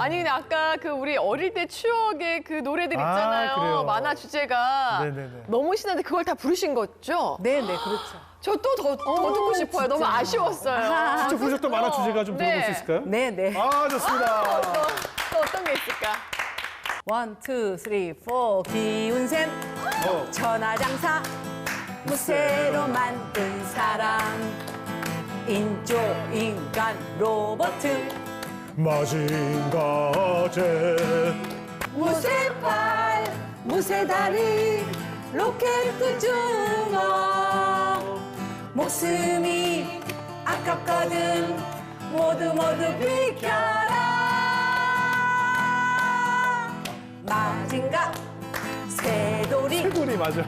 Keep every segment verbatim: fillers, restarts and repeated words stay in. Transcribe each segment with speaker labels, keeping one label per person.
Speaker 1: 아니 근데 아까 그 우리 어릴 때 추억의 그 노래들 있잖아요.
Speaker 2: 아, 그래요.
Speaker 1: 만화 주제가
Speaker 2: 네네네.
Speaker 1: 너무 신나는데 그걸 다 부르신 거죠?
Speaker 3: 네, 네, 그렇죠.
Speaker 1: 저 또 더 더 듣고 싶어요. 너무 아쉬웠어요.
Speaker 2: 직접 부르셨던 만화 주제가 좀
Speaker 1: 네.
Speaker 2: 들어볼 수 있을까요?
Speaker 3: 네, 네.
Speaker 2: 아, 좋습니다.
Speaker 1: 또, 또 어떤 게 있을까?
Speaker 3: 원, 투, 쓰리, 포. 기운샘,
Speaker 2: 어.
Speaker 3: 천하장사, 무쇠로 만든 사람, 인조, 인간, 로버트,
Speaker 2: 마징가제.
Speaker 3: 무쇠팔, 무쇠다리, 로켓 중어. 목숨이 아깝거든 모두 모두 비켜라. 마징가 새돌이
Speaker 2: 새돌이 맞아.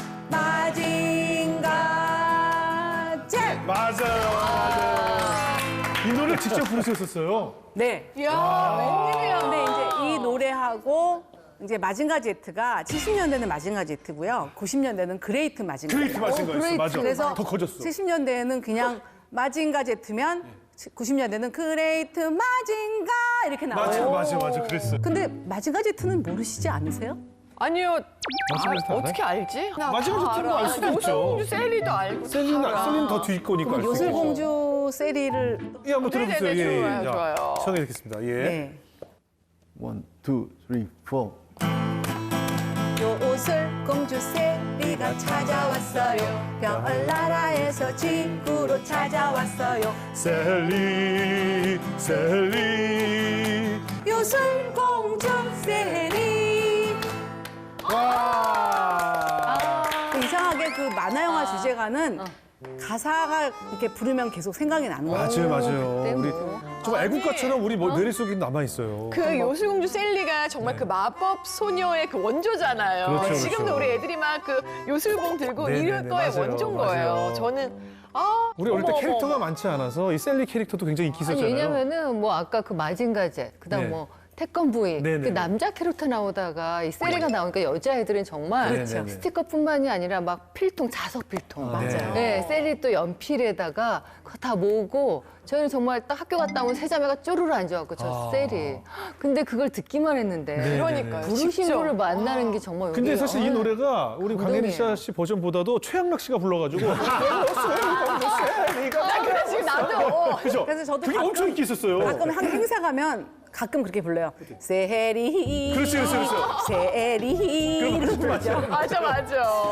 Speaker 3: 마징가 잭.
Speaker 2: 맞아요. 맞아요. 이 노래 직접 부르셨었어요.
Speaker 3: 네.
Speaker 1: 이야, 웬일이야.
Speaker 3: 근데 이제 이 노래하고 이제 마징가 제트가 칠십 년대는 마징가 제트고요. 구십 년대는 그레이트 마징가.
Speaker 2: 그레이트 마징가였어. 맞아.
Speaker 3: 그래서
Speaker 2: 더 커졌어.
Speaker 3: 칠십 년대에는 그냥 마징가 제트면 구십 년대는 그레이트 마징가 이렇게
Speaker 2: 맞아,
Speaker 3: 나와요.
Speaker 2: 맞아, 맞아. 그랬어.
Speaker 3: 근데 마징가 제트는 모르시지 않으세요?
Speaker 1: 아니요.
Speaker 2: 마징가 제트 알아요?
Speaker 1: 어떻게 알지? 나
Speaker 2: 마징가
Speaker 1: 다
Speaker 2: 제트는
Speaker 1: 알아.
Speaker 2: 알 수도 있죠.
Speaker 1: 요술공주 셀리도 알고.
Speaker 2: 셀린,
Speaker 1: 다 알아.
Speaker 2: 셀린 더 뒤 거니까.
Speaker 3: 그럼
Speaker 2: 알수 있겠죠.
Speaker 3: 요술공주 세리를
Speaker 2: 예, 한번 들어보세요.
Speaker 1: 네네네,
Speaker 2: 예, 예.
Speaker 1: 좋아요,
Speaker 2: 자,
Speaker 1: 좋아요.
Speaker 2: 시작해 듣겠습니다. 예.
Speaker 3: 네.
Speaker 4: One, two, three, four.
Speaker 3: 요술공주 세리가 찾아왔어요. 별나라에서 지구로 찾아왔어요.
Speaker 2: 셀리, 셀리.
Speaker 3: 요술공주 세리.
Speaker 2: 와.
Speaker 3: 이상하게 그 만화 영화
Speaker 1: 아.
Speaker 3: 주제가는 가사가 이렇게 부르면 계속 생각이 나는 거예요.
Speaker 2: 맞아요, 맞아요. 우리 좀 애국가처럼 우리 뭐 뇌리 속에 남아 있어요.
Speaker 1: 그 요술공주 셀리가 정말 그 마법 소녀의 그 원조잖아요.
Speaker 2: 그렇죠,
Speaker 1: 지금도
Speaker 2: 그렇죠.
Speaker 1: 우리 애들이 막 그 요술봉 들고
Speaker 2: 네네네,
Speaker 1: 이럴 거의
Speaker 2: 맞아요,
Speaker 1: 원조인
Speaker 2: 맞아요.
Speaker 1: 거예요. 저는 아
Speaker 2: 우리 어릴 때
Speaker 1: 어머,
Speaker 2: 캐릭터가
Speaker 1: 어머.
Speaker 2: 많지 않아서 이 셀리 캐릭터도 굉장히 인기
Speaker 5: 아니
Speaker 2: 있었잖아요.
Speaker 5: 왜냐면은 뭐 아까 그 마징가제 그다음
Speaker 2: 네.
Speaker 5: 뭐 태권브이
Speaker 2: 네네네.
Speaker 5: 그 남자 캐릭터 나오다가 이 세리가 나오니까 여자애들은 정말
Speaker 2: 그렇죠.
Speaker 5: 스티커뿐만이 아니라 막 필통 자석 필통
Speaker 2: 아, 네.
Speaker 5: 네, 셀리 또 연필에다가 그거 다 모으고 저희는 정말 딱 학교 갔다 오면 세 자매가 쪼르르 앉아갖고 저
Speaker 2: 아.
Speaker 5: 셀이 근데 그걸 듣기만 했는데
Speaker 2: 네.
Speaker 1: 그러니까요.
Speaker 5: 부르신
Speaker 1: 직접.
Speaker 5: 분을 만나는 게 정말
Speaker 2: 근데
Speaker 5: 여기,
Speaker 2: 사실 이
Speaker 5: 어,
Speaker 2: 노래가 우리
Speaker 5: 감동이에요.
Speaker 2: 강혜리 씨 버전보다도 최양락 씨가 불러가지고
Speaker 1: 나 그래 지금 나도
Speaker 2: 그죠?
Speaker 3: 그래서 저도
Speaker 2: 그게
Speaker 3: 가끔-
Speaker 2: 엄청 인기 있었어요.
Speaker 3: 가끔 한 행사 가면 가끔 그렇게 불러요. 세리.
Speaker 2: 그렇지, 그렇지, 그렇지.
Speaker 3: 세리. 이러고 부르죠.
Speaker 1: 맞아 맞아.